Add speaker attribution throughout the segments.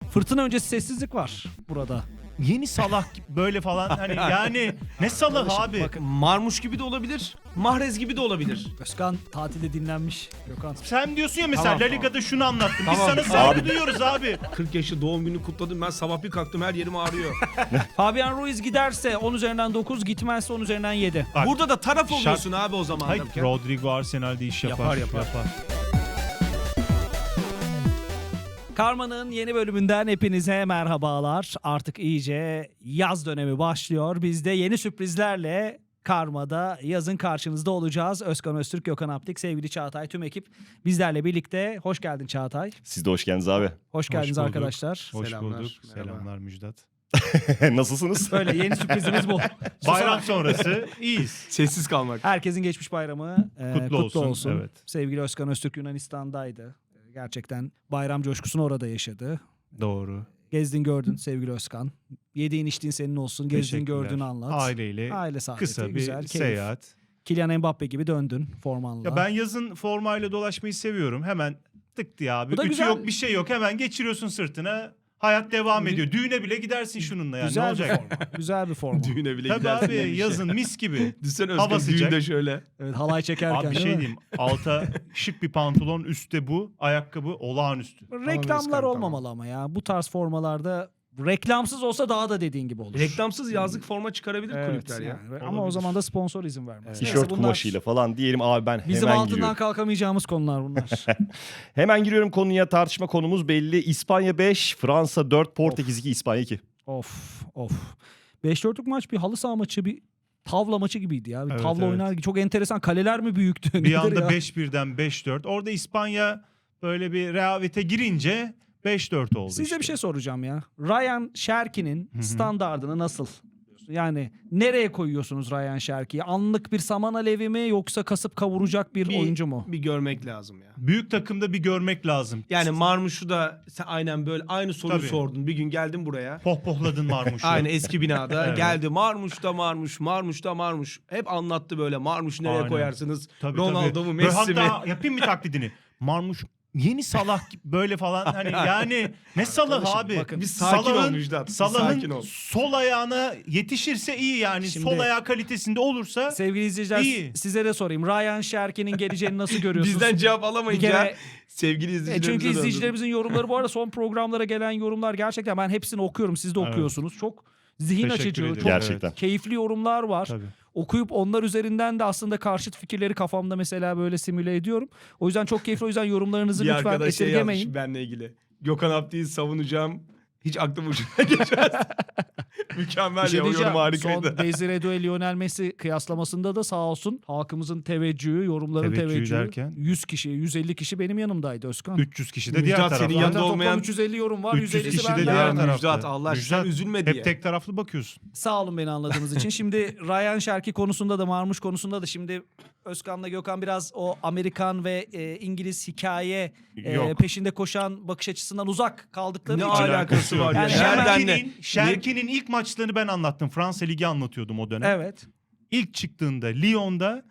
Speaker 1: Fırtına öncesi sessizlik var burada.
Speaker 2: Yeni Salah böyle falan hani yani ne Salah abi?
Speaker 1: Bakın.
Speaker 3: Marmuş gibi de olabilir. Mahrez gibi de olabilir.
Speaker 1: Özkan tatilde dinlenmiş. Gökhan.
Speaker 2: Sen diyorsun ya mesela
Speaker 3: Tamam,
Speaker 2: La Liga'da şunu anlattım. Biz
Speaker 3: Tamam.
Speaker 2: sana saygı duyuyoruz abi.
Speaker 3: 40 yaşı doğum günü kutladım. Ben sabah bir kalktım her yerim ağrıyor.
Speaker 1: Fabian Ruiz giderse 10 üzerinden 9, gitmezse 10 üzerinden 7.
Speaker 2: Bak,
Speaker 3: Burada da taraf oluyorsun abi o zaman.
Speaker 2: Hayır, Rodrigo Arsenal'de iş yapar.
Speaker 3: Yapar.
Speaker 1: Karma'nın yeni bölümünden hepinize merhabalar. Artık iyice yaz dönemi başlıyor. Biz de yeni sürprizlerle Karma'da yazın karşınızda olacağız. Özkan Öztürk, Gökhan Aptik, sevgili Çağatay, tüm ekip bizlerle birlikte. Hoş geldin Çağatay.
Speaker 4: Siz de hoş geldiniz abi.
Speaker 1: Hoş geldiniz
Speaker 2: bulduk.
Speaker 1: arkadaşlar.
Speaker 2: Hoş
Speaker 3: Selamlar,
Speaker 2: bulduk.
Speaker 3: merhaba.
Speaker 2: Selamlar Müjdat.
Speaker 4: Nasılsınız?
Speaker 1: Böyle yeni sürprizimiz bu.
Speaker 2: Bayram sonrası iyiyiz.
Speaker 3: Sessiz kalmak.
Speaker 1: Herkesin geçmiş bayramı
Speaker 2: Kutlu
Speaker 1: olsun.
Speaker 2: olsun, evet.
Speaker 1: Sevgili Özkan Öztürk Yunanistan'daydı. Gerçekten bayram coşkusunu orada yaşadı.
Speaker 2: Doğru.
Speaker 1: Gezdin gördün sevgili Özkan. Yediğin içtiğin senin olsun. Gezdin
Speaker 2: Teşekkürler.
Speaker 1: gördüğünü anlat.
Speaker 2: Aileyle
Speaker 1: Aile saadeti,
Speaker 2: kısa bir
Speaker 1: güzel, keyif.
Speaker 2: seyahat.
Speaker 1: Kylian Mbappe gibi döndün formanla.
Speaker 2: Ya ben yazın formayla dolaşmayı seviyorum. Hemen tık diye abi.
Speaker 1: Bu da
Speaker 2: Ütü
Speaker 1: güzel.
Speaker 2: yok bir şey yok. Hemen geçiriyorsun sırtına. Hayat devam ediyor. Düğüne bile gidersin şununla yani. Ne
Speaker 1: güzel bir
Speaker 2: olacak?
Speaker 1: forma. Güzel bir forma.
Speaker 3: Düğüne bile
Speaker 2: Tabii
Speaker 3: gidersin.
Speaker 2: abi
Speaker 3: demiş.
Speaker 2: yazın mis gibi.
Speaker 3: Düşünsene
Speaker 2: Hava
Speaker 3: Özkan
Speaker 2: sıcak.
Speaker 3: düğünde şöyle.
Speaker 1: Evet, halay çekerken.
Speaker 2: Abi bir
Speaker 1: değil
Speaker 2: şey
Speaker 1: mi?
Speaker 2: diyeyim. Alta şık bir pantolon, üstte bu. Ayakkabı olağanüstü.
Speaker 1: Reklamlar
Speaker 3: Özkan,
Speaker 1: olmamalı ama ya. Bu tarz formalarda reklamsız olsa daha da dediğin gibi olur.
Speaker 3: Reklamsız yazlık forma çıkarabilir
Speaker 1: Evet,
Speaker 3: kulüpler ya.
Speaker 1: yani. Ama o
Speaker 2: Olabilir.
Speaker 1: zaman da sponsor izin vermez. Neyse,
Speaker 4: Tişört
Speaker 1: bunlar
Speaker 4: kumaşıyla falan diyelim abi ben
Speaker 1: bizim
Speaker 4: hemen
Speaker 1: altından
Speaker 4: giriyorum.
Speaker 1: kalkamayacağımız konular bunlar.
Speaker 4: Hemen giriyorum konuya, tartışma konumuz belli. İspanya 5, Fransa 4, Portekiz 2, İspanya 2.
Speaker 1: Of. 5-4'lük maç bir halı saha maçı, bir tavla maçı gibiydi ya. Bir
Speaker 2: Evet,
Speaker 1: tavla
Speaker 2: evet.
Speaker 1: oynar gibi. Çok enteresan. Kaleler mi büyüktü?
Speaker 2: Bir
Speaker 1: Nedir
Speaker 2: anda
Speaker 1: ya?
Speaker 2: 5-1'den 5-4. Orada İspanya böyle bir rehavete girince 5-4 oldu
Speaker 1: Size
Speaker 2: işte.
Speaker 1: bir şey soracağım ya. Ryan Şerki'nin standardını nasıl? Yani nereye koyuyorsunuz Ryan Şerki'yi? Anlık bir saman alevi mi yoksa kasıp kavuracak bir oyuncu mu?
Speaker 3: Bir görmek lazım ya.
Speaker 2: Büyük takımda bir görmek lazım.
Speaker 3: Yani Marmuş'u da sen aynen böyle aynı soruyu
Speaker 2: Tabii.
Speaker 3: sordun. Bir gün geldin buraya.
Speaker 2: Pohpohladın Marmuş'u.
Speaker 3: Aynı eski binada
Speaker 2: Evet.
Speaker 3: geldi. Marmuş da Marmuş. Hep anlattı böyle. Marmuş nereye
Speaker 2: Aynen.
Speaker 3: koyarsınız?
Speaker 2: Tabii,
Speaker 3: Ronaldo
Speaker 2: tabii.
Speaker 3: mu
Speaker 2: Böyle
Speaker 3: Messi mi?
Speaker 2: hatta yapayım bir taklidini. Marmuş yeni Salah gibi böyle falan hani yani ne Salah
Speaker 1: Arkadaşım,
Speaker 2: abi?
Speaker 1: bakın,
Speaker 3: bir sakin ol Müjdat, bir sakin
Speaker 2: Salah'ın
Speaker 3: ol.
Speaker 2: sol ayağına yetişirse iyi yani.
Speaker 1: Şimdi-
Speaker 2: Sol ayağı kalitesinde olursa
Speaker 1: Sevgili izleyiciler,
Speaker 2: İyi.
Speaker 1: size de sorayım. Ryan Şerki'nin geleceğini nasıl görüyorsunuz?
Speaker 3: Bizden cevap
Speaker 1: Bir
Speaker 3: alamayınca
Speaker 1: kere-
Speaker 3: sevgili izleyicilerimize
Speaker 1: çünkü
Speaker 3: döndüm.
Speaker 1: izleyicilerimizin yorumları, bu arada son programlara gelen yorumlar gerçekten ben hepsini okuyorum. Siz de
Speaker 2: Evet.
Speaker 1: okuyorsunuz. Çok zihin
Speaker 2: Teşekkür
Speaker 1: açıcı,
Speaker 2: ederim.
Speaker 1: çok
Speaker 4: Gerçekten.
Speaker 1: keyifli yorumlar var.
Speaker 2: tabii.
Speaker 1: Okuyup onlar üzerinden de aslında karşıt fikirleri kafamda mesela böyle simüle ediyorum. O yüzden çok keyifli. O yüzden yorumlarınızı
Speaker 3: Bir
Speaker 1: lütfen
Speaker 3: arkadaş şey
Speaker 1: esirgemeyin.
Speaker 3: yazmış benle ilgili. Gökhan Aptik'i savunacağım. Hiç aklım ucuna geçmez. Mükemmel
Speaker 1: Bir şey
Speaker 3: ya o yorum
Speaker 1: diyeceğim.
Speaker 3: harikaydı.
Speaker 1: Son Desire Doué Lionel Messi kıyaslamasında da sağ olsun halkımızın teveccühü, yorumların
Speaker 2: Teveccühü
Speaker 1: teveccühü.
Speaker 2: derken?
Speaker 1: 100 kişi, 150 kişi benim yanımdaydı Özkan.
Speaker 2: 300 kişi de
Speaker 3: Müjdat
Speaker 2: diğer
Speaker 3: senin
Speaker 2: tarafta.
Speaker 3: yanında
Speaker 1: Zaten toplam
Speaker 3: olmayan
Speaker 1: 350 yorum var.
Speaker 2: 300
Speaker 1: 150'si
Speaker 2: kişi de
Speaker 1: bende.
Speaker 2: diğer
Speaker 3: Ya
Speaker 2: tarafta.
Speaker 3: Müjdat, Allah aşkına
Speaker 2: Müjdat,
Speaker 3: üzülme
Speaker 2: hep
Speaker 3: diye.
Speaker 2: tek taraflı bakıyorsun.
Speaker 1: Sağ olun beni anladığınız için. Şimdi Ryan Şerki konusunda da Marmuş konusunda da şimdi Özkan'la Gökhan biraz o Amerikan ve İngiliz hikaye
Speaker 2: Yok.
Speaker 1: peşinde koşan bakış açısından uzak kaldıkları
Speaker 3: Ne
Speaker 1: için.
Speaker 3: alakası var ya?
Speaker 1: Yani
Speaker 3: Nereden ne?
Speaker 2: Şerki'nin ilk maçlarını ben anlattım. Fransa Ligi anlatıyordum o dönem.
Speaker 1: Evet.
Speaker 2: İlk çıktığında Lyon'da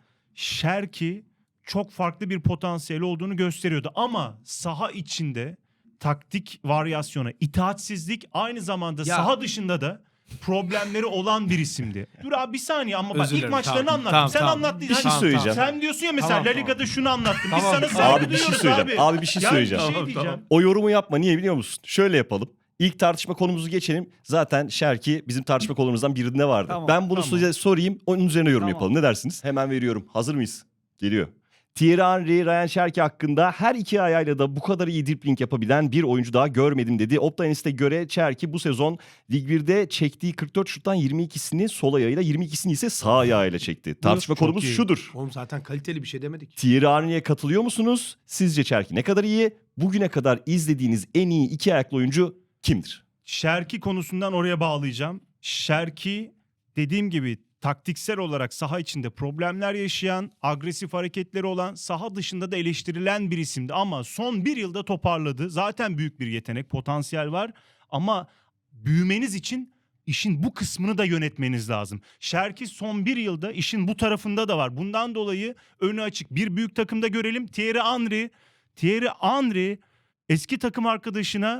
Speaker 2: Şerki çok farklı bir potansiyeli olduğunu gösteriyordu. Ama saha içinde taktik varyasyona, itaatsizlik, aynı zamanda
Speaker 3: Ya.
Speaker 2: saha dışında da problemleri olan bir isimdi. Dur abi bir saniye ama bak
Speaker 3: Özür
Speaker 2: ilk
Speaker 3: dilerim,
Speaker 2: maçlarını
Speaker 3: tamam,
Speaker 2: anlattım.
Speaker 3: tamam,
Speaker 2: Sen
Speaker 3: tamam.
Speaker 2: anlattın.
Speaker 4: Bir şey
Speaker 2: Hani
Speaker 4: söyleyeceğim.
Speaker 2: Sen diyorsun ya mesela
Speaker 3: Tamam,
Speaker 2: La
Speaker 3: tamam.
Speaker 2: Liga'da şunu anlattım.
Speaker 3: Tamam,
Speaker 2: Biz sana
Speaker 3: tamam.
Speaker 2: saygı
Speaker 4: Abi bir şey
Speaker 2: duyuyoruz
Speaker 4: söyleyeceğim. Abi bir şey
Speaker 2: Yani
Speaker 4: söyleyeceğim.
Speaker 2: Bir şey
Speaker 3: Tamam,
Speaker 2: diyeceğim.
Speaker 3: tamam.
Speaker 4: O yorumu yapma, niye biliyor musun? Şöyle yapalım. İlk tartışma konumuzu geçelim. Zaten Şerki bizim tartışma konumuzdan birinde vardı.
Speaker 1: Tamam,
Speaker 4: Ben bunu
Speaker 1: tamam.
Speaker 4: size sorayım, onun üzerine yorum
Speaker 1: Tamam.
Speaker 4: yapalım. Ne dersiniz? Hemen veriyorum. Hazır mıyız? Geliyor. Thierry Henry, Ryan Şerki hakkında her iki ayağıyla da bu kadar iyi dribbling yapabilen bir oyuncu daha görmedim dedi. Opta göre Şerki bu sezon Lig 1'de çektiği 44 şuttan 22'sini sol ayağıyla, 22'sini ise sağ ayağıyla çekti. Tartışma
Speaker 2: çok
Speaker 4: konumuz
Speaker 2: iyi.
Speaker 4: şudur.
Speaker 3: Oğlum zaten kaliteli bir şey demedik.
Speaker 4: Thierry Henry'e katılıyor musunuz? Sizce Şerki ne kadar iyi? Bugüne kadar izlediğiniz en iyi iki ayaklı oyuncu kimdir?
Speaker 2: Şerki konusundan oraya bağlayacağım. Şerki dediğim gibi taktiksel olarak saha içinde problemler yaşayan, agresif hareketleri olan, saha dışında da eleştirilen bir isimdi. Ama son bir yılda toparladı. Zaten büyük bir yetenek, potansiyel var. Ama büyümeniz için işin bu kısmını da yönetmeniz lazım. Şerki son bir yılda işin bu tarafında da var. Bundan dolayı önü açık. Bir büyük takımda görelim. Thierry Henry eski takım arkadaşına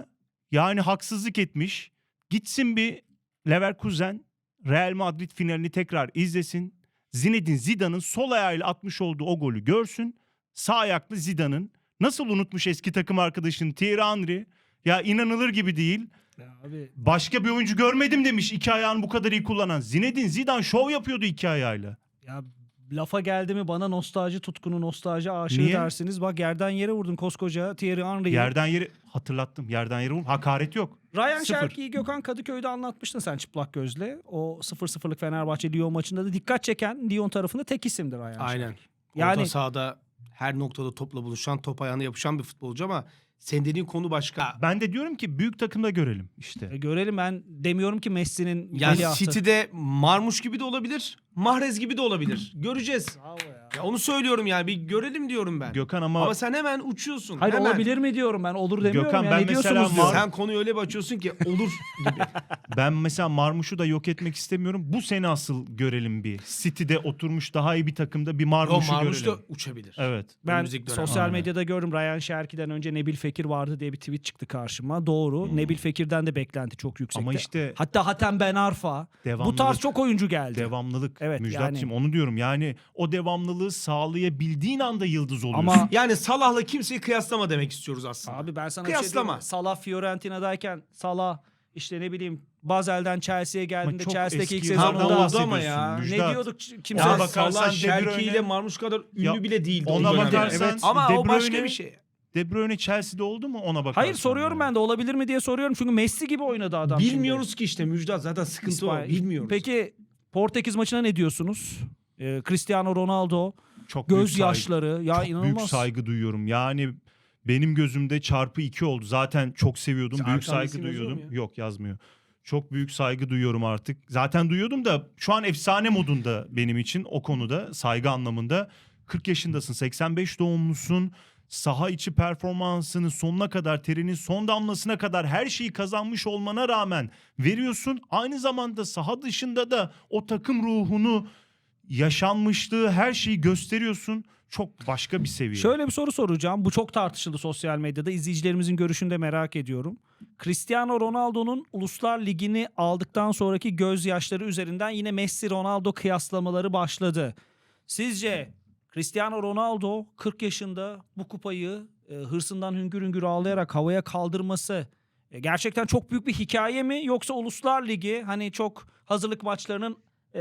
Speaker 2: Yani haksızlık etmiş. Gitsin bir Leverkusen Real Madrid finalini tekrar izlesin. Zinedine Zidane'ın sol ayağıyla atmış olduğu o golü görsün. Sağ ayaklı Zidane'ın nasıl unutmuş eski takım arkadaşını Thierry Henry. Ya inanılır gibi değil.
Speaker 1: Ya abi,
Speaker 2: Başka bir oyuncu görmedim demiş iki ayağını bu kadar iyi kullanan. Zinedine Zidane şov yapıyordu iki ayağıyla.
Speaker 1: ya lafa geldi mi bana nostalji tutkunu, nostalji aşığı
Speaker 2: Niye?
Speaker 1: dersiniz. Bak yerden yere vurdun koskoca Thierry Henry'yi.
Speaker 2: Yerden yeri hatırlattım. Yerden yere hakaret yok.
Speaker 1: Ryan
Speaker 2: Sıfır.
Speaker 1: Şerki'yi Gökhan Kadıköy'de anlatmıştın sen çıplak gözle. O 0-0'lık Fenerbahçe Lyon maçında da dikkat çeken Lyon tarafında tek isimdir Ryan
Speaker 3: Aynen.
Speaker 1: Şerki.
Speaker 3: Yani
Speaker 1: Yani
Speaker 3: sahada her noktada topla buluşan, top ayağına yapışan bir futbolcu ama senin dediğin konu başka.
Speaker 2: Ben de diyorum ki büyük takımda görelim işte.
Speaker 1: görelim, ben demiyorum ki Messi'nin
Speaker 3: Yani
Speaker 1: veliahtı.
Speaker 3: City'de Marmuş gibi de olabilir, Mahrez gibi de olabilir. Göreceğiz.
Speaker 1: Bravo ya.
Speaker 3: Ya onu söylüyorum yani, bir görelim diyorum ben.
Speaker 2: Gökhan ama
Speaker 3: Ama sen hemen uçuyorsun.
Speaker 1: Hayır,
Speaker 3: hemen.
Speaker 1: olabilir mi diyorum ben, olur demiyorum.
Speaker 2: Gökhan,
Speaker 1: ya.
Speaker 2: ben
Speaker 1: Ne
Speaker 2: mesela
Speaker 1: diyorsunuz diyorum.
Speaker 3: Sen konuyu öyle bir açıyorsun ki olur gibi.
Speaker 2: ben mesela Marmuş'u da yok etmek istemiyorum. Bu sene asıl görelim bir. City'de oturmuş daha iyi bir takımda bir
Speaker 3: O
Speaker 2: Marmuş'u
Speaker 3: Marmuş da
Speaker 2: görelim.
Speaker 3: uçabilir.
Speaker 2: Evet.
Speaker 1: Ben
Speaker 3: Önümüzdeki dönem.
Speaker 1: sosyal
Speaker 2: Aynen.
Speaker 1: medyada gördüm, Ryan Şerki'den önce Nebil Fekir vardı diye bir tweet çıktı karşıma. Doğru. Nebil Fekir'den de beklenti çok yüksekti.
Speaker 2: Ama işte
Speaker 1: Hatta Hatem Ben Arfa. Bu
Speaker 2: devamlılık.
Speaker 1: tarz çok oyuncu geldi.
Speaker 2: Devamlılık.
Speaker 1: Evet,
Speaker 2: Müjdat'cığım
Speaker 1: yani.
Speaker 2: onu diyorum. Yani o devamlılığı sağlayabildiğin anda yıldız oluyorsun.
Speaker 1: Ama
Speaker 3: Yani Salah'la kimseyi kıyaslama demek istiyoruz aslında.
Speaker 1: abi ben sana
Speaker 3: Kıyaslama.
Speaker 1: bir şey diyeyim mi? Salah Fiorentina'dayken Salah işte ne bileyim Basel'den Chelsea'ye geldiğinde
Speaker 2: çok
Speaker 1: Chelsea'deki ilk
Speaker 2: eski
Speaker 3: yıllardan
Speaker 1: sezonunda
Speaker 3: oldu ama
Speaker 2: bahsediyorsun
Speaker 3: ya.
Speaker 1: ne
Speaker 2: Müjdat.
Speaker 1: diyorduk
Speaker 2: Ona
Speaker 1: kimse
Speaker 3: Ya
Speaker 2: bakarsan
Speaker 3: Salah
Speaker 2: De
Speaker 3: Şerki
Speaker 2: Bruyne-
Speaker 3: ile Marmuş kadar ünlü
Speaker 2: Ya,
Speaker 3: bile değildi.
Speaker 2: ona
Speaker 3: o dönemde.
Speaker 2: bakarsan
Speaker 1: Evet.
Speaker 3: Ama
Speaker 2: De
Speaker 3: o başka
Speaker 2: Bruyne-
Speaker 3: bir şey.
Speaker 2: De Bruyne Chelsea'de oldu mu ona bakarsan.
Speaker 1: Hayır, soruyorum ben de olabilir mi diye soruyorum. Çünkü Messi gibi oynadı adam
Speaker 3: Bilmiyoruz ki işte Müjdat, zaten
Speaker 1: şimdi.
Speaker 3: sıkıntı
Speaker 1: İspanya-
Speaker 3: o. Bilmiyoruz.
Speaker 1: Peki Portekiz maçına ne diyorsunuz? Cristiano Ronaldo
Speaker 2: Çok büyük
Speaker 1: gözyaşları ya
Speaker 2: çok
Speaker 1: inanılmaz.
Speaker 2: büyük saygı duyuyorum. Yani benim gözümde çarpı 2 oldu. Zaten çok seviyordum.
Speaker 3: Sen
Speaker 2: Büyük
Speaker 3: arkanda
Speaker 2: saygı
Speaker 3: isim yazıyor
Speaker 2: duyuyordum.
Speaker 3: mu ya?
Speaker 2: Yok, yazmıyor. Çok büyük saygı duyuyorum artık. Zaten duyuyordum da şu an efsane modunda benim için o konuda, saygı anlamında. 40 yaşındasın, 85 doğumlusun. Saha içi performansını sonuna kadar, terinin son damlasına kadar her şeyi kazanmış olmana rağmen veriyorsun. Aynı zamanda saha dışında da o takım ruhunu, yaşanmışlığı, her şeyi gösteriyorsun. Çok başka bir seviye.
Speaker 1: Şöyle bir soru soracağım. Bu çok tartışıldı sosyal medyada. İzleyicilerimizin görüşünü de merak ediyorum. Cristiano Ronaldo'nun Uluslar Ligi'ni aldıktan sonraki gözyaşları üzerinden yine Messi-Ronaldo kıyaslamaları başladı. Sizce Cristiano Ronaldo 40 yaşında bu kupayı hırsından hüngür hüngür ağlayarak havaya kaldırması gerçekten çok büyük bir hikaye mi? Yoksa Uluslar Ligi hani çok hazırlık maçlarının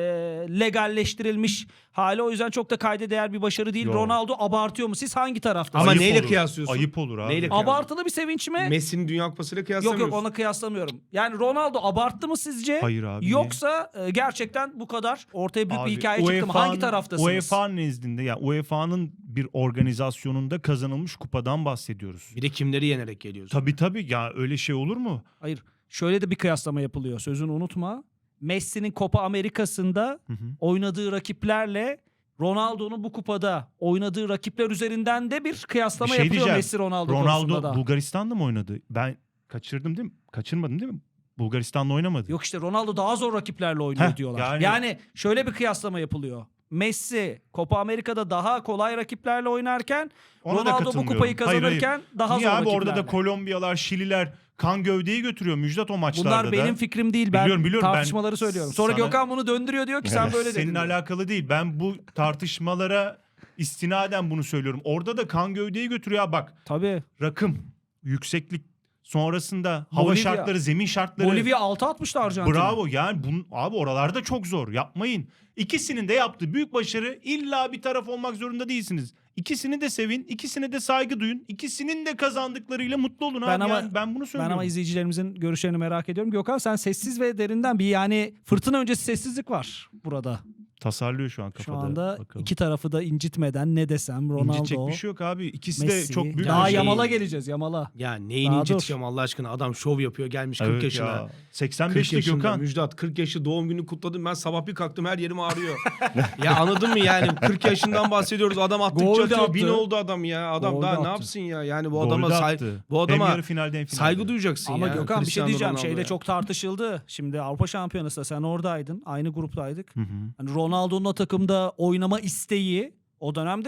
Speaker 1: legalleştirilmiş hali, o yüzden çok da kayda değer bir başarı değil.
Speaker 2: Yo.
Speaker 1: Ronaldo abartıyor mu? Siz hangi taraftasınız?
Speaker 3: Ama
Speaker 2: Ayıp
Speaker 3: neyle
Speaker 2: olur.
Speaker 3: kıyaslıyorsun?
Speaker 2: Ayıp olur abi.
Speaker 3: Neyle
Speaker 1: Abartılı bir sevinç mi?
Speaker 3: Messi'nin Dünya Kupası'yla
Speaker 1: Yok
Speaker 3: kıyaslamıyorsun.
Speaker 1: yok, ona kıyaslamıyorum. Yani Ronaldo abarttı mı sizce?
Speaker 2: Hayır abi. niye?
Speaker 1: Yoksa gerçekten bu kadar ortaya büyük
Speaker 2: Abi,
Speaker 1: bir hikaye çıktı mı? Hangi taraftasınız?
Speaker 2: UEFA nezdinde, yani UEFA'nın bir organizasyonunda kazanılmış kupadan bahsediyoruz.
Speaker 3: Bir de kimleri yenerek geliyorsun.
Speaker 2: Tabii ya, öyle şey olur mu?
Speaker 1: Hayır. Şöyle de bir kıyaslama yapılıyor. Sözünü unutma. Messi'nin Copa Amerika'sında
Speaker 2: Hı hı.
Speaker 1: oynadığı rakiplerle Ronaldo'nun bu kupada oynadığı rakipler üzerinden de bir kıyaslama
Speaker 2: Bir şey
Speaker 1: yapılıyor
Speaker 2: diyeceğim.
Speaker 1: Messi-Ronaldo konusunda
Speaker 2: Ronaldo
Speaker 1: da.
Speaker 2: Bulgaristan'da mı oynadı? Ben kaçırdım değil mi? Kaçırmadım değil mi? Bulgaristan'da oynamadı.
Speaker 1: Yok işte, Ronaldo daha zor rakiplerle oynuyor
Speaker 2: Heh,
Speaker 1: diyorlar.
Speaker 2: yani-
Speaker 1: Yani şöyle bir kıyaslama yapılıyor. Messi Copa Amerika'da daha kolay rakiplerle oynarken
Speaker 2: Ona da
Speaker 1: Ronaldo bu
Speaker 2: katılmıyorum.
Speaker 1: kupayı
Speaker 2: Hayır, hayır.
Speaker 1: kazanırken daha
Speaker 2: Niye
Speaker 1: zor
Speaker 2: abi,
Speaker 1: rakiplerle.
Speaker 2: orada da Kolombiyalar, Şililer kan gövdeyi götürüyor Müjdat o maçlarda
Speaker 1: Bunlar
Speaker 2: da.
Speaker 1: benim fikrim değil. Ben
Speaker 2: Biliyorum, ben
Speaker 1: tartışmaları söylüyorum. Sonra
Speaker 2: sana-
Speaker 1: Gökhan bunu döndürüyor, diyor ki sen böyle dedin.
Speaker 2: Senin
Speaker 1: diyor.
Speaker 2: alakalı değil. Ben bu tartışmalara istinaden bunu söylüyorum. Orada da kan gövdeyi götürüyor. Ya bak,
Speaker 1: Tabii.
Speaker 2: rakım, yükseklik, sonrasında hava
Speaker 1: Bolivya.
Speaker 2: şartları, zemin şartları.
Speaker 1: Bolivya 6 atmıştı Arjantin'e.
Speaker 2: Bravo, yani abi oralarda çok zor, yapmayın. İkisinin de yaptığı büyük başarı, illa bir taraf olmak zorunda değilsiniz. İkisini de sevin, ikisine de saygı duyun, ikisinin de kazandıklarıyla mutlu olun
Speaker 1: Ben
Speaker 2: abi.
Speaker 1: ama-
Speaker 2: Yani ben bunu
Speaker 1: Ben
Speaker 2: söylüyorum.
Speaker 1: ama izleyicilerimizin görüşlerini merak ediyorum. Gökhan, sen sessiz ve derinden bir, yani fırtına öncesi sessizlik var burada.
Speaker 2: Tasarlıyor şu an
Speaker 1: Şu
Speaker 2: kafada.
Speaker 1: anda
Speaker 2: Bakalım.
Speaker 1: iki tarafı da incitmeden ne desem,
Speaker 2: İncitecek
Speaker 1: Ronaldo,
Speaker 2: bir şey yok abi. İkisi
Speaker 1: Messi.
Speaker 2: de çok büyük
Speaker 1: Daha
Speaker 2: başarı.
Speaker 1: Yamal'a geleceğiz, Yamal'a.
Speaker 3: Ya neyini
Speaker 1: Daha
Speaker 3: inciteceğim Allah aşkına. Adam şov yapıyor, gelmiş 40
Speaker 2: Evet
Speaker 3: yaşına.
Speaker 2: ya.
Speaker 3: 40
Speaker 2: 85'te
Speaker 3: yaşında
Speaker 2: Gökhan.
Speaker 3: Müjdat, 40 yaşı doğum günü kutladım. Ben sabah bir kalktım, her yerim ağrıyor. Ya anladın mı yani? 40 yaşından bahsediyoruz. Adam attıkça
Speaker 1: Gol de
Speaker 3: atıyor.
Speaker 1: attı.
Speaker 3: 1000 oldu adam ya. Adam
Speaker 1: Gol de
Speaker 3: daha ne
Speaker 1: attı.
Speaker 3: yapsın ya? Yani bu
Speaker 2: Gol
Speaker 3: adama
Speaker 2: de
Speaker 3: saygı,
Speaker 2: attı.
Speaker 3: bu
Speaker 2: Hem
Speaker 3: adama
Speaker 2: yarı finalde hem finalde.
Speaker 3: saygı duyacaksın
Speaker 1: Ama
Speaker 3: ya.
Speaker 1: Gökhan, bir şey
Speaker 3: Cristiano
Speaker 1: diyeceğim.
Speaker 3: Ronaldo'ya.
Speaker 1: Şeyde çok tartışıldı. Şimdi Avrupa Şampiyonası'nda sen oradaydın. Aynı gruptaydık.
Speaker 2: Hı hı.
Speaker 1: Hani Ronaldo'nun o takımda oynama isteği o dönemde çok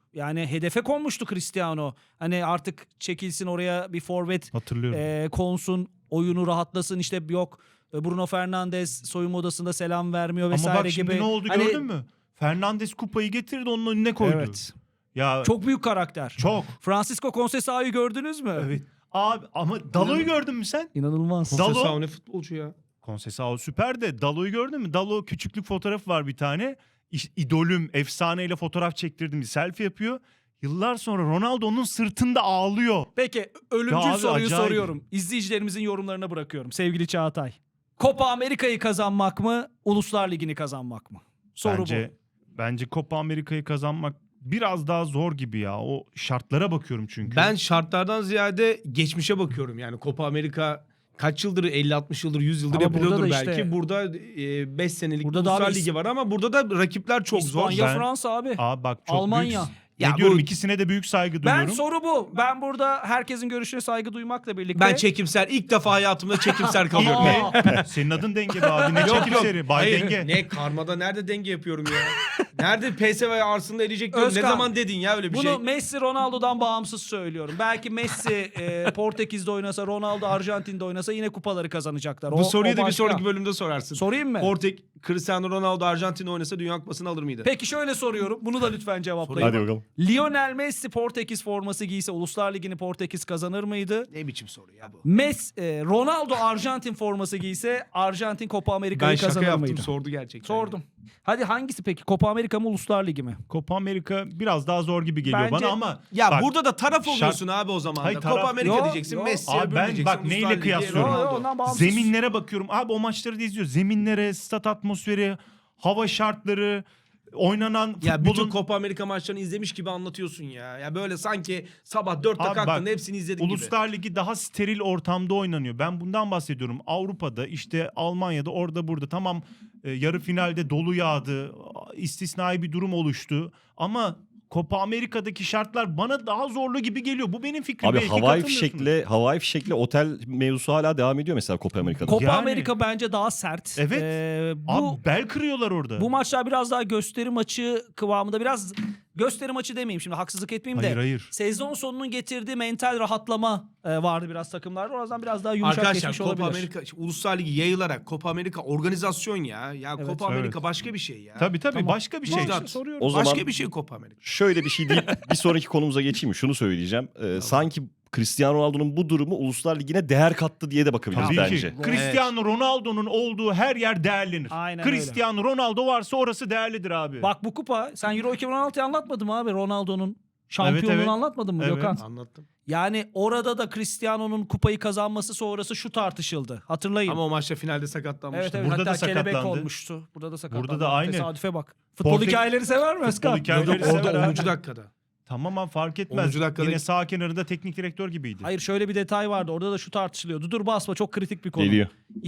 Speaker 1: Yani hedefe konmuştu Cristiano. Hani artık çekilsin oraya bir forvet
Speaker 2: Hatırlıyorum.
Speaker 1: konsun, oyunu rahatlasın, işte yok Bruno Fernandes soyunma odasında selam vermiyor
Speaker 2: Ama
Speaker 1: vesaire
Speaker 2: bak şimdi
Speaker 1: gibi.
Speaker 2: ne oldu
Speaker 1: Hani-
Speaker 2: gördün mü? Fernandes kupayı getirdi onun önüne koydu.
Speaker 1: Evet.
Speaker 2: Ya
Speaker 1: Çok büyük karakter.
Speaker 2: çok.
Speaker 1: Francisco Conceição'yu gördünüz mü?
Speaker 2: Evet. Abi ama Dalo'yu gördün mü sen?
Speaker 1: İnanılmaz.
Speaker 2: Dalo-
Speaker 3: Conceição ne futbolcu ya.
Speaker 2: Conceição süper de Dalo'yu gördün mü? Dalo küçüklük fotoğrafı var bir tane. İdolüm, efsaneyle fotoğraf çektirdim. Bir selfie yapıyor. Yıllar sonra Ronaldo onun sırtında ağlıyor.
Speaker 1: Peki ölümcül
Speaker 2: Ya abi,
Speaker 1: soruyu
Speaker 2: acayip.
Speaker 1: soruyorum. İzleyicilerimizin yorumlarına bırakıyorum sevgili Çağatay. Copa Amerika'yı kazanmak mı, Uluslar Ligi'ni kazanmak mı? Soru
Speaker 2: Bence Copa Amerika'yı kazanmak biraz daha zor gibi ya. O şartlara bakıyorum çünkü.
Speaker 3: Ben şartlardan ziyade geçmişe bakıyorum. Yani Copa Amerika kaç yıldır 50-60 yıldır 100 yıldır
Speaker 1: Ama
Speaker 3: yapılıyordur
Speaker 1: burada da işte-
Speaker 3: belki. Burada 5 senelik
Speaker 1: Burada da
Speaker 3: Uluslar
Speaker 1: abi
Speaker 3: Ligi var ama burada da rakipler çok zor.
Speaker 1: İspanya,
Speaker 2: Ben-
Speaker 1: Fransa abi.
Speaker 2: Abi bak çok
Speaker 1: Almanya.
Speaker 2: büyük.
Speaker 3: Ya
Speaker 2: Ne diyorum
Speaker 3: bu-
Speaker 2: ikisine de büyük saygı
Speaker 1: Ben
Speaker 2: duyuyorum.
Speaker 1: soru bu. Ben burada herkesin görüşüne saygı duymakla birlikte...
Speaker 3: Ben çekimser. İlk defa hayatımda çekimser kalıyorum.
Speaker 1: Aa,
Speaker 2: Senin adın denge be abi. Ne
Speaker 3: Yok,
Speaker 2: çekim
Speaker 3: yok.
Speaker 2: seri? Bay
Speaker 3: Hayır,
Speaker 2: denge.
Speaker 3: Ne karmada nerede denge yapıyorum ya? Nerede PSV Arslan'da eleyecek diyorum. Ne
Speaker 1: Özkan,
Speaker 3: zaman dedin ya öyle bir
Speaker 1: bunu
Speaker 3: şey?
Speaker 1: Messi, Ronaldo'dan bağımsız söylüyorum. Belki Messi Portekiz'de oynasa, Ronaldo Arjantin'de oynasa yine kupaları kazanacaklar.
Speaker 3: Bu soruyu da bir
Speaker 1: başka.
Speaker 3: sonraki bölümde sorarsın.
Speaker 1: Sorayım mı?
Speaker 3: Cristiano Ronaldo Arjantin'de oynasa Dünya Kupası'nı alır mıydı?
Speaker 1: Peki şöyle soruyorum. Bunu da lütfen cevaplayın.
Speaker 4: Hadi bakalım.
Speaker 1: Lionel Messi Portekiz forması giyse Uluslar Ligi'ni Portekiz kazanır mıydı?
Speaker 3: Ne biçim soru ya bu?
Speaker 1: Ronaldo Arjantin forması giyse Arjantin Copa
Speaker 3: Ben
Speaker 1: Amerika'yı
Speaker 3: şaka
Speaker 1: kazanır
Speaker 3: yaptım
Speaker 1: mıydı?
Speaker 3: sordu gerçekten.
Speaker 1: Sordum. Hadi hangisi peki? Copa Amerika mı Uluslar Ligi mi?
Speaker 2: Copa Amerika biraz daha zor gibi geliyor
Speaker 1: Bence-
Speaker 2: bana ama
Speaker 3: Ya
Speaker 2: bak,
Speaker 3: burada da taraf
Speaker 2: şart-
Speaker 3: oluyorsun abi o zaman.
Speaker 2: Hayır,
Speaker 3: da.
Speaker 2: taraf-
Speaker 3: Copa Amerika
Speaker 1: Yok,
Speaker 3: diyeceksin,
Speaker 1: yok.
Speaker 3: Messi
Speaker 2: Abi ben
Speaker 3: diyeceksin.
Speaker 2: bak neyle
Speaker 3: Uluslar Ligi,
Speaker 2: kıyaslıyorum?
Speaker 3: Ronaldo.
Speaker 1: Ondan bağımsız.
Speaker 2: zeminlere bakıyorum. Abi o maçları da izliyor. Zeminlere, stat atmosferi, hava şartları, oynanan
Speaker 3: Ya bütün
Speaker 2: futbolun...
Speaker 3: Copa Amerika maçlarını izlemiş gibi anlatıyorsun ya. Ya böyle sanki sabah 4'te
Speaker 2: Abi
Speaker 3: kalktın
Speaker 2: bak,
Speaker 3: hepsini izledik gibi.
Speaker 2: Uluslar Ligi daha steril ortamda oynanıyor. Ben bundan bahsediyorum. Avrupa'da işte Almanya'da orada burada tamam yarı finalde dolu yağdı. İstisnai bir durum oluştu. Ama Copa Amerika'daki şartlar bana daha zorlu gibi geliyor. Bu benim fikrim.
Speaker 4: Abi
Speaker 2: Belki
Speaker 4: havai
Speaker 2: katılmıyorsunuz.
Speaker 4: fişekle otel mevzusu hala devam ediyor mesela Copa Amerika'da.
Speaker 1: Copa
Speaker 2: Yani-
Speaker 1: Amerika bence daha sert.
Speaker 2: Evet.
Speaker 1: Bu
Speaker 2: Abi bel kırıyorlar orada.
Speaker 1: bu maçlar biraz daha gösteri maçı kıvamında, biraz gösteri maçı demeyeyim şimdi, haksızlık etmeyeyim
Speaker 2: Hayır
Speaker 1: de.
Speaker 2: hayır.
Speaker 1: Sezon sonunun getirdiği mental rahatlama vardı biraz takımlarda. Oradan biraz daha yumuşak
Speaker 3: Arkadaşlar
Speaker 1: geçmiş
Speaker 3: Copa
Speaker 1: olabilir.
Speaker 3: Amerika Uluslar Ligi yayılarak Copa Amerika organizasyon ya. Ya
Speaker 1: Evet.
Speaker 3: Copa Amerika
Speaker 2: Evet.
Speaker 3: başka bir şey ya.
Speaker 2: Tabii
Speaker 1: Tamam.
Speaker 2: başka bir şey.
Speaker 3: Murat,
Speaker 1: İşte soruyorum.
Speaker 4: O zaman
Speaker 3: Başka bir şey Copa Amerika.
Speaker 4: şöyle bir şey deyip bir sonraki konumuza geçeyim mi? Şunu söyleyeceğim. Sanki Cristiano Ronaldo'nun bu durumu Uluslar Ligi'ne değer kattı diye de bakabiliriz
Speaker 2: Tabii
Speaker 4: bence.
Speaker 2: ki. Cristiano Ronaldo'nun olduğu her yer değerlenir.
Speaker 1: Aynen öyle.
Speaker 2: Cristiano Ronaldo varsa orası değerlidir abi.
Speaker 1: Bak bu kupa, sen Euro 2016'yı anlatmadın mı abi? Ronaldo'nun şampiyonluğunu
Speaker 2: Evet.
Speaker 1: anlatmadın mı
Speaker 2: Evet.
Speaker 1: Gökhan?
Speaker 3: Anlattım.
Speaker 1: Yani orada da Cristiano'nun kupayı kazanması sonrası şu tartışıldı. Hatırlayın.
Speaker 3: Ama o maçta finalde sakatlanmıştı.
Speaker 1: Evet evet,
Speaker 2: Burada da
Speaker 1: hatta kelebek
Speaker 2: sakatlandı.
Speaker 1: olmuştu. Burada da sakatlandı.
Speaker 2: Burada da aynı.
Speaker 1: Tesadüfe bak. Futbol hikayeleri sever mi Özkan?
Speaker 2: Futbol hikayeleri
Speaker 3: Yok,
Speaker 2: sever
Speaker 3: orada
Speaker 2: abi.
Speaker 3: 10. dakikada.
Speaker 2: Tamam ama fark etmez.
Speaker 3: 10. dakikada-
Speaker 2: Yine sağ kenarında teknik direktör gibiydi.
Speaker 1: Hayır, şöyle bir detay vardı. Orada da şu tartışılıyordu. Dur basma, çok kritik bir konu.
Speaker 4: Geliyor.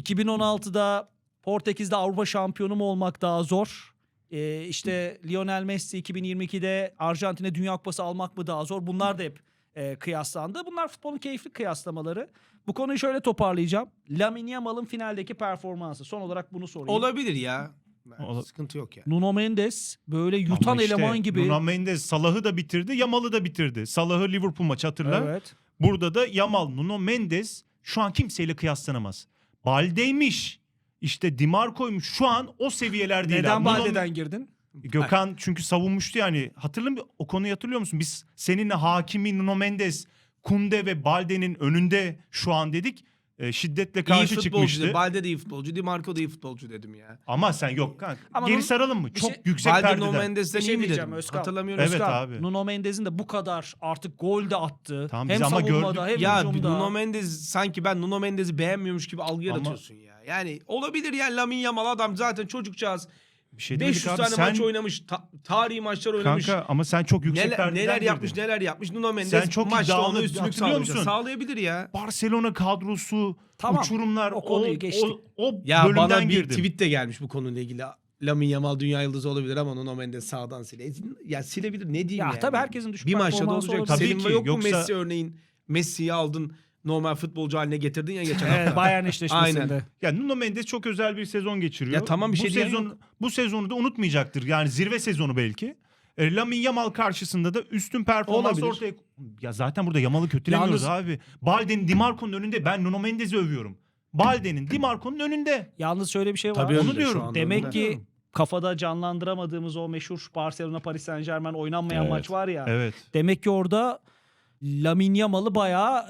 Speaker 1: 2016'da Portekiz'de Avrupa şampiyonu mu olmak daha zor? İşte Lionel Messi 2022'de Arjantin'e Dünya Kupası almak mı daha zor? Bunlar da hep kıyaslandı. Bunlar futbolun keyifli kıyaslamaları. Bu konuyu şöyle toparlayacağım. Lamine Yamal'ın finaldeki performansı. Son olarak bunu sorayım.
Speaker 3: Olabilir ya.
Speaker 2: Ola-
Speaker 3: Sıkıntı yok ya.
Speaker 1: Nuno Mendes böyle yutan
Speaker 2: Ama işte
Speaker 1: eleman gibi.
Speaker 2: Nuno Mendes Salah'ı da bitirdi, Yamal'ı da bitirdi. Salah'ı Liverpool maçı hatırla.
Speaker 1: Evet.
Speaker 2: Burada da Yamal, Nuno Mendes şu an kimseyle kıyaslanamaz. Balde'ymiş, işte Di Marco'ymuş, şu an o seviyeler değil.
Speaker 1: Neden
Speaker 2: abi.
Speaker 1: Balde'den girdin?
Speaker 2: Gökhan çünkü savunmuştu yani. O konuyu hatırlıyor musun? Biz seninle Hakimi, Nuno Mendes, Kunde ve Balde'nin önünde şu an dedik. Şiddetle
Speaker 3: İyi
Speaker 2: karşı
Speaker 3: futbolcu.
Speaker 2: çıkmıştı.
Speaker 3: Balde de iyi futbolcu. Di Marco da iyi futbolcu dedim ya.
Speaker 2: Ama sen yok kanka.
Speaker 1: Ama
Speaker 2: Geri
Speaker 1: Nuno-
Speaker 2: saralım mı?
Speaker 1: bir
Speaker 2: Çok
Speaker 1: şey-
Speaker 2: yüksek
Speaker 3: Balde
Speaker 2: perdeden.
Speaker 3: No Mendes'ten
Speaker 1: Bir şey
Speaker 3: iyi mi
Speaker 1: diyeceğim
Speaker 3: dedim?
Speaker 1: Özkan.
Speaker 3: Hatırlamıyorum.
Speaker 2: Evet
Speaker 1: Özkan,
Speaker 2: abi.
Speaker 1: Nuno Mendes'in de bu kadar artık gol de attı.
Speaker 2: Tamam,
Speaker 1: hem
Speaker 2: biz ama
Speaker 1: savunmada
Speaker 2: gördük.
Speaker 1: hem
Speaker 3: Ya
Speaker 1: hücumda.
Speaker 3: Nuno Mendes sanki ben Nuno Mendes'i beğenmiyormuş gibi algı
Speaker 2: Ama-
Speaker 3: yaratıyorsun ya. Yani olabilir ya, Lamine Yamal adam zaten çocukcağız.
Speaker 2: Bir şey demedik
Speaker 3: 500
Speaker 2: abi.
Speaker 3: tane
Speaker 2: Sen-
Speaker 3: maç oynamış. Tarihi maçlar oynamış.
Speaker 2: Kanka ama sen çok yüksek
Speaker 3: Neler,
Speaker 2: perdeden
Speaker 3: neler
Speaker 2: girdin.
Speaker 3: yapmış neler yapmış. Nuno
Speaker 2: Sen
Speaker 3: Mendes
Speaker 2: çok
Speaker 3: maçta
Speaker 2: iddialı,
Speaker 3: ona üstünlük
Speaker 2: hatırlıyor
Speaker 3: sağlayacak.
Speaker 2: musun?
Speaker 3: Sağlayabilir ya.
Speaker 2: Barcelona kadrosu,
Speaker 1: Tamam,
Speaker 2: uçurumlar,
Speaker 1: o konuyu geçtik.
Speaker 2: o
Speaker 3: Ya
Speaker 2: bölümden
Speaker 3: bana bir
Speaker 2: girdim.
Speaker 3: tweet de gelmiş bu konuyla ilgili. Lamine Yamal dünya yıldızı olabilir ama Nuno Mendes sağdan Ya silebilir, ne diyeyim
Speaker 1: Ya
Speaker 3: yani.
Speaker 1: tabii herkesin düşük
Speaker 3: bir maçta da
Speaker 1: performansı
Speaker 3: olacak.
Speaker 1: olabilir.
Speaker 2: Tabii
Speaker 3: Senin
Speaker 2: ki,
Speaker 3: yok mu
Speaker 2: yoksa-
Speaker 3: Messi örneğin? Messi'yi aldın, normal futbolcu haline getirdin ya geçen hafta.
Speaker 1: Evet, Bayern eşleşmesinde.
Speaker 3: Aynen.
Speaker 2: Ya Nuno Mendes çok özel bir sezon geçiriyor.
Speaker 3: Ya tamam, bir
Speaker 2: bu
Speaker 3: şey diyen
Speaker 2: sezon
Speaker 3: yok.
Speaker 2: bu sezonu da unutmayacaktır. Yani zirve sezonu belki. Lamine Yamal karşısında da üstün performans
Speaker 3: Olabilir.
Speaker 2: ortaya... Ya zaten burada Yamal'ı kötülemiyoruz
Speaker 1: Yalnız-
Speaker 2: abi. Balde'nin Dimarco'nun önünde. Ben Nuno Mendes'i övüyorum. Balde'nin Dimarco'nun önünde.
Speaker 1: Yalnız şöyle bir şey var.
Speaker 3: Tabii
Speaker 2: Onu
Speaker 3: önde,
Speaker 2: diyorum.
Speaker 3: şu anda
Speaker 1: Demek
Speaker 3: önde.
Speaker 1: ki kafada canlandıramadığımız o meşhur Barcelona Paris Saint-Germain oynanmayan
Speaker 4: Evet.
Speaker 1: maç var ya.
Speaker 2: Evet.
Speaker 1: Demek ki orada Lamine Yamal'ı bayağı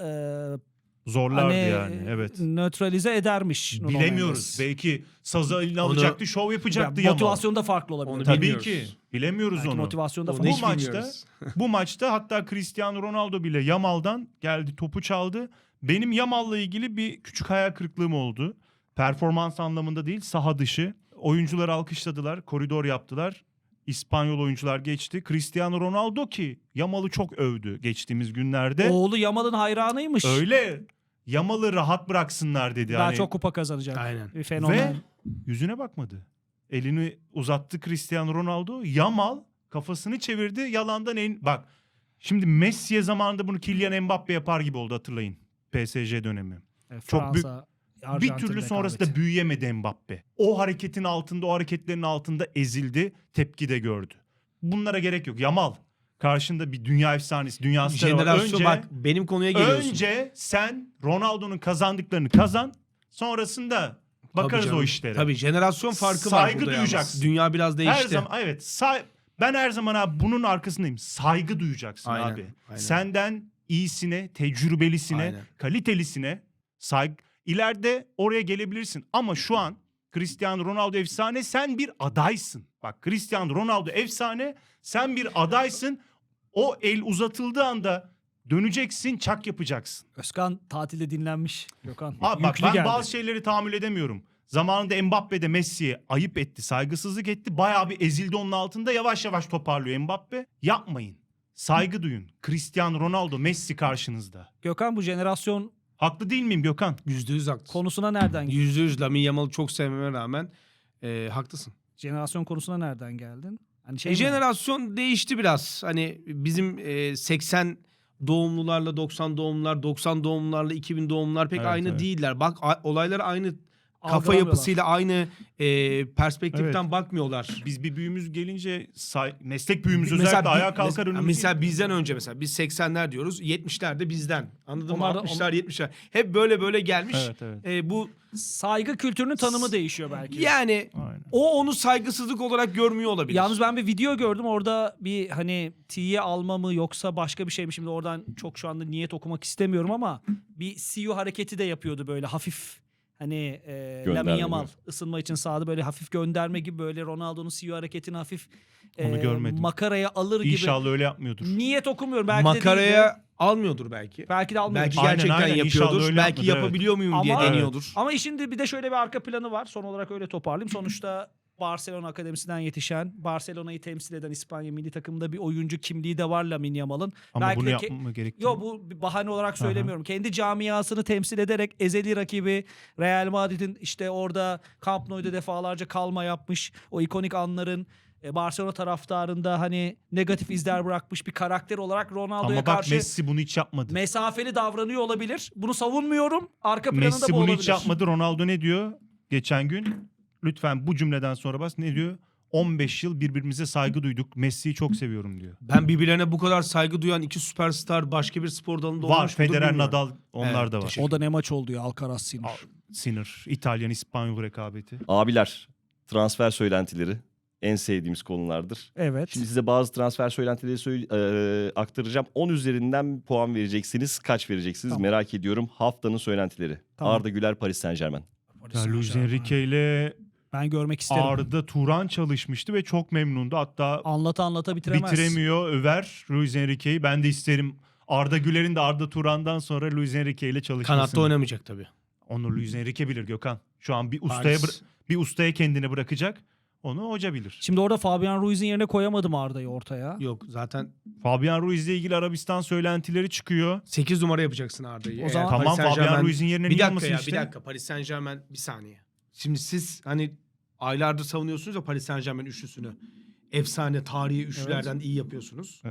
Speaker 2: Zorlardı
Speaker 1: hani
Speaker 2: yani. Evet.
Speaker 1: nötralize edermiş. Nuno
Speaker 2: Bilemiyoruz.
Speaker 1: Mendes.
Speaker 2: Belki sazı eline
Speaker 3: Onu-
Speaker 2: alacaktı, şov yapacaktı
Speaker 1: Ya,
Speaker 2: Yamal.
Speaker 1: motivasyon da farklı olabilir.
Speaker 3: Onu
Speaker 1: Tabii.
Speaker 2: Tabii
Speaker 3: bilmiyoruz.
Speaker 2: ki. Bilemiyoruz
Speaker 1: Belki
Speaker 2: onu.
Speaker 1: motivasyon da
Speaker 3: Onu
Speaker 1: farklı.
Speaker 3: hiç bilmiyoruz.
Speaker 2: Bu maçta hatta Cristiano Ronaldo bile Yamal'dan geldi, topu çaldı. Benim Yamal'la ilgili bir küçük hayal kırıklığım oldu. Performans anlamında değil, saha dışı. Oyuncular alkışladılar, koridor yaptılar. İspanyol oyuncular geçti. Cristiano Ronaldo ki Yamal'ı çok övdü geçtiğimiz günlerde.
Speaker 1: Oğlu Yamal'ın hayranıymış.
Speaker 2: Öyle. Yamal'ı rahat bıraksınlar dedi.
Speaker 1: Daha
Speaker 2: Hani
Speaker 1: çok kupa kazanacak.
Speaker 3: Aynen.
Speaker 1: Bir fenomen.
Speaker 2: Ve yüzüne bakmadı. Elini uzattı Cristiano Ronaldo. Yamal kafasını çevirdi. Yalandan bak. Şimdi Messi'ye zamanında bunu Kylian Mbappe yapar gibi oldu, hatırlayın. PSG dönemi. Çok büyük-
Speaker 1: Fransa,
Speaker 2: Bir
Speaker 1: Arjantin
Speaker 2: türlü sonrasında
Speaker 1: rekabeti.
Speaker 2: büyüyemedi Mbappe. O hareketin altında, o hareketlerin altında ezildi. Tepki de gördü. Bunlara gerek yok. Yamal karşında bir dünya efsanesi, dünya starı var.
Speaker 3: Jenerasyon bak benim konuya geliyorsun.
Speaker 2: Önce sen Ronaldo'nun kazandıklarını kazan. Sonrasında bakarız
Speaker 3: canım.
Speaker 2: o işlere.
Speaker 3: Tabii jenerasyon farkı var
Speaker 2: Saygı
Speaker 3: burada yalnız.
Speaker 2: duyacaksın.
Speaker 3: Dünya biraz değişti.
Speaker 2: Her zaman evet. Ben her zaman abi bunun arkasındayım. Saygı duyacaksın
Speaker 3: Aynen,
Speaker 2: abi.
Speaker 3: aynen.
Speaker 2: Senden iyisine, tecrübelisine,
Speaker 3: Aynen.
Speaker 2: kalitelisine saygı. İleride oraya gelebilirsin. Ama şu an Cristiano Ronaldo efsane, sen bir adaysın. Bak, Cristiano Ronaldo efsane, sen bir adaysın. O el uzatıldığı anda döneceksin, çak yapacaksın.
Speaker 1: Özkan tatilde dinlenmiş. Gökhan.
Speaker 2: Abi bak,
Speaker 1: Yüklü
Speaker 2: ben
Speaker 1: geldi.
Speaker 2: bazı şeyleri tahammül edemiyorum. Zamanında Mbappe de Messi'ye ayıp etti, saygısızlık etti. Bayağı bir ezildi onun altında. Yavaş yavaş toparlıyor Mbappe. Yapmayın. Saygı duyun. Cristiano Ronaldo, Messi karşınızda.
Speaker 1: Gökhan, bu jenerasyon
Speaker 2: Haklı değil miyim Gökhan?
Speaker 3: %100 haklısın.
Speaker 1: konusuna nereden geldin?
Speaker 3: %100 Lamine Yamal'ı çok sevmeme rağmen haklısın.
Speaker 1: Jenerasyon konusuna nereden geldin? Hani şey mi?
Speaker 3: Jenerasyon değişti biraz. Hani bizim 80 doğumlularla 90 doğumlular, 90 doğumlularla 2000 doğumlular pek
Speaker 2: Evet,
Speaker 3: aynı
Speaker 2: evet.
Speaker 3: değiller. Bak olaylar aynı kafa
Speaker 1: Algılamıyorlar.
Speaker 3: yapısıyla aynı perspektiften
Speaker 2: Evet.
Speaker 3: bakmıyorlar.
Speaker 2: Biz bir büyüğümüz gelince meslek büyüğümüz
Speaker 3: Mesela
Speaker 2: özellikle
Speaker 3: bi-
Speaker 2: ayağa kalkar önümüz.
Speaker 3: Mesela bizden önce mesela biz 80'ler diyoruz. 70'ler de bizden. Anladın mı?
Speaker 1: Onlar da-
Speaker 3: 60'lar 70'ler. Hep böyle gelmiş.
Speaker 2: Evet, evet.
Speaker 3: Bu
Speaker 1: Saygı kültürünün tanımı değişiyor belki.
Speaker 3: yani
Speaker 2: Aynen.
Speaker 3: o onu saygısızlık olarak görmüyor olabilir.
Speaker 1: Yalnız ben bir video gördüm, orada bir hani T'ye alma mı yoksa başka bir şey mi, şimdi oradan çok şu anda niyet okumak istemiyorum ama bir CEO hareketi de yapıyordu böyle hafif, hani Lamine Yamal
Speaker 4: gibi.
Speaker 1: ısınma için sahada böyle hafif gönderme gibi, böyle Ronaldo'nun CEO hareketini hafif
Speaker 2: Onu görmedim.
Speaker 1: makaraya alır gibi.
Speaker 2: İnşallah öyle yapmıyordur.
Speaker 1: Niyet okumuyorum, belki de değildir.
Speaker 3: makaraya almıyordur belki.
Speaker 1: Belki de almıyordur.
Speaker 3: Belki
Speaker 2: Aynen,
Speaker 3: gerçekten
Speaker 2: aynen. İnşallah
Speaker 3: yapıyordur.
Speaker 2: öyle
Speaker 3: Belki
Speaker 2: yapmadır,
Speaker 3: yapabiliyor muyum diye
Speaker 1: Ama-
Speaker 3: deniyordur.
Speaker 1: Ama işin de bir de şöyle bir arka planı var. Son olarak öyle toparlayayım. Sonuçta Barcelona Akademisi'nden yetişen, Barcelona'yı temsil eden İspanya milli takımında bir oyuncu kimliği de var Lamine Yamal'ın.
Speaker 2: Ama
Speaker 1: Belki
Speaker 2: bunu
Speaker 1: de
Speaker 2: yapmama gerekti.
Speaker 1: Yo, bu bir bahane olarak söylemiyorum. Kendi camiasını temsil ederek ezeli rakibi Real Madrid'in işte orada Camp Nou'da defalarca kalma yapmış. O ikonik anların Barcelona taraftarında hani negatif izler bırakmış bir karakter olarak Ronaldo'ya
Speaker 2: Ama bak,
Speaker 1: karşı
Speaker 2: Messi bunu hiç yapmadı.
Speaker 1: mesafeli davranıyor olabilir. Bunu savunmuyorum. Arka planında
Speaker 2: Messi
Speaker 1: bu
Speaker 2: bunu
Speaker 1: olabilir.
Speaker 2: hiç yapmadı. Ronaldo ne diyor geçen gün? Lütfen bu cümleden sonra bas. Ne diyor? 15 yıl birbirimize saygı duyduk. Messi'yi çok seviyorum diyor.
Speaker 3: Ben birbirlerine bu kadar saygı duyan iki süperstar başka bir spor dalında
Speaker 2: Var.
Speaker 3: olmuş mudur
Speaker 2: Federer,
Speaker 3: bilmiyorum.
Speaker 2: Nadal, onlar
Speaker 3: Evet,
Speaker 2: da var.
Speaker 3: teşekkür
Speaker 1: O da ne maç oldu ya, Alcaraz Sinir.
Speaker 2: Sinir. İtalyan, İspanyol rekabeti.
Speaker 4: Abiler, transfer söylentileri en sevdiğimiz konulardır.
Speaker 1: Evet.
Speaker 4: Şimdi size bazı transfer söylentileri aktaracağım. 10 üzerinden puan vereceksiniz. Kaç vereceksiniz
Speaker 1: Tamam.
Speaker 4: merak ediyorum. Haftanın söylentileri.
Speaker 1: Tamam.
Speaker 4: Arda Güler, Paris Saint-Germain.
Speaker 2: Ya Luis Enrique ile
Speaker 1: Ben görmek isterim.
Speaker 2: Arda Turan çalışmıştı ve çok memnundu. Hatta
Speaker 1: Anlata bitiremez.
Speaker 2: bitiremiyor, över Luis Enrique'yi. Ben de isterim Arda Güler'in de Arda Turan'dan sonra Luis Enrique ile çalışmasını.
Speaker 3: Kanatta oynamayacak tabii.
Speaker 2: Onu Luis Enrique bilir Gökhan. Şu an
Speaker 3: Paris.
Speaker 2: bir ustaya kendini bırakacak. Onu hoca bilir.
Speaker 1: Şimdi orada Fabian Ruiz'in yerine koyamadım Arda'yı ortaya.
Speaker 3: Yok zaten
Speaker 2: Fabian Ruiz ile ilgili Arabistan söylentileri çıkıyor.
Speaker 3: 8 numara yapacaksın Arda'yı.
Speaker 1: O zaman-
Speaker 3: Eğer
Speaker 2: Tamam,
Speaker 3: Paris
Speaker 2: Fabian
Speaker 3: Saint-Germain-
Speaker 2: Ruiz'in yerine
Speaker 3: bir
Speaker 2: niye
Speaker 3: dakika
Speaker 2: olmasın
Speaker 3: ya
Speaker 2: işte?
Speaker 3: bir dakika Paris Saint-Germain bir saniye. Şimdi siz hani aylardır savunuyorsunuz ya Paris Saint-Germain üçlüsünü. Efsane tarihi üçlülerden iyi yapıyorsunuz.
Speaker 2: Evet.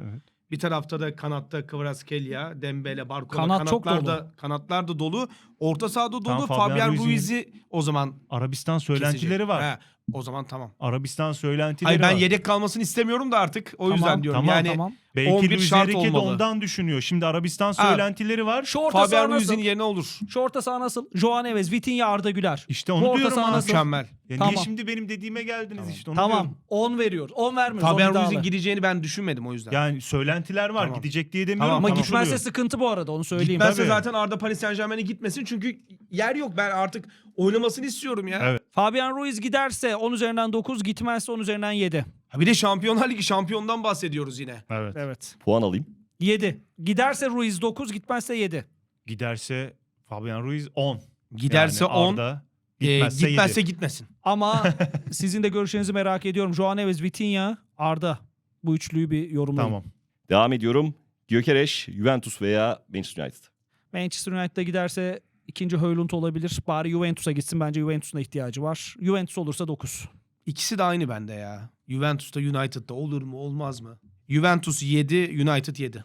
Speaker 3: Bir tarafta da kanatta Kvaratskhelia, Dembele, Barcola.
Speaker 1: Kanat çok
Speaker 3: Kanatlar da dolu. Orta sahada dolu.
Speaker 2: Tamam, Fabian
Speaker 3: Fabian
Speaker 2: Ruiz'in-
Speaker 3: Ruiz'i o zaman
Speaker 2: Arabistan söylentileri
Speaker 3: kesecek.
Speaker 2: var.
Speaker 3: He, o zaman tamam.
Speaker 2: Arabistan söylentileri
Speaker 3: Hayır ben
Speaker 2: var.
Speaker 3: yedek kalmasını istemiyorum da artık. O yüzden
Speaker 1: Tamam,
Speaker 3: diyorum.
Speaker 2: tamam,
Speaker 3: Yani
Speaker 1: tamam.
Speaker 2: Belki
Speaker 3: 11
Speaker 2: Luis
Speaker 3: şart
Speaker 2: Enrique de
Speaker 3: olmalı.
Speaker 2: ondan düşünüyor. Şimdi Arabistan söylentileri var.
Speaker 1: Şu orta saha
Speaker 3: Fabian
Speaker 1: nasıl?
Speaker 3: Ruiz'in yerine olur.
Speaker 1: Şu orta saha nasıl? Joao Neves, Vitinha, Arda Güler.
Speaker 2: İşte
Speaker 1: Bu
Speaker 2: onu
Speaker 1: orta
Speaker 2: diyorum
Speaker 1: saha
Speaker 2: abi.
Speaker 1: nasıl?
Speaker 3: Mükemmel.
Speaker 2: Ya
Speaker 1: Tamam.
Speaker 2: niye şimdi benim dediğime geldiniz işte onu
Speaker 1: Tamam.
Speaker 2: diyorum.
Speaker 1: 10 veriyoruz. 10 vermiyoruz.
Speaker 3: Fabian
Speaker 1: o iddialı.
Speaker 3: Ruiz'in gideceğini ben düşünmedim o yüzden.
Speaker 2: Yani söylentiler var.
Speaker 3: Tamam.
Speaker 2: Gidecek diye demiyorum.
Speaker 3: Tamam,
Speaker 1: Ama
Speaker 3: tamam.
Speaker 1: gitmezse
Speaker 2: konuşuluyor.
Speaker 1: sıkıntı bu arada, onu söyleyeyim.
Speaker 3: Gitmezse
Speaker 2: Tabii.
Speaker 3: zaten Arda Paris Saint-Germain'e gitmesin çünkü yer yok. Ben artık oynamasını istiyorum ya.
Speaker 2: Evet.
Speaker 1: Fabian Ruiz giderse 10 üzerinden 9, gitmezse 10 üzerinden 7.
Speaker 3: Ha bir de Şampiyonlar Ligi şampiyondan bahsediyoruz yine.
Speaker 2: Evet.
Speaker 1: Evet.
Speaker 4: Puan alayım.
Speaker 1: 7. Giderse Ruiz 9, gitmezse 7.
Speaker 2: Giderse Fabian Ruiz 10.
Speaker 3: Giderse
Speaker 2: Yani
Speaker 3: 10,
Speaker 2: Arda, gitmezse,
Speaker 3: gitmezse
Speaker 2: 7.
Speaker 3: gitmesin.
Speaker 1: Ama sizin de görüşlerinizi merak ediyorum. Joao Neves, Vitinha, Arda. Bu üçlüyü bir yorumlayın.
Speaker 2: Tamam.
Speaker 4: Devam ediyorum. Gyökeres, Juventus veya Manchester United.
Speaker 1: Manchester United'a giderse ikinci Højlund olabilir. Bari Juventus'a gitsin. Bence Juventus'un da ihtiyacı var. Juventus olursa 9.
Speaker 3: İkisi de aynı bende ya. Juventus'ta United'da olur mu olmaz mı? Juventus 7, United 7.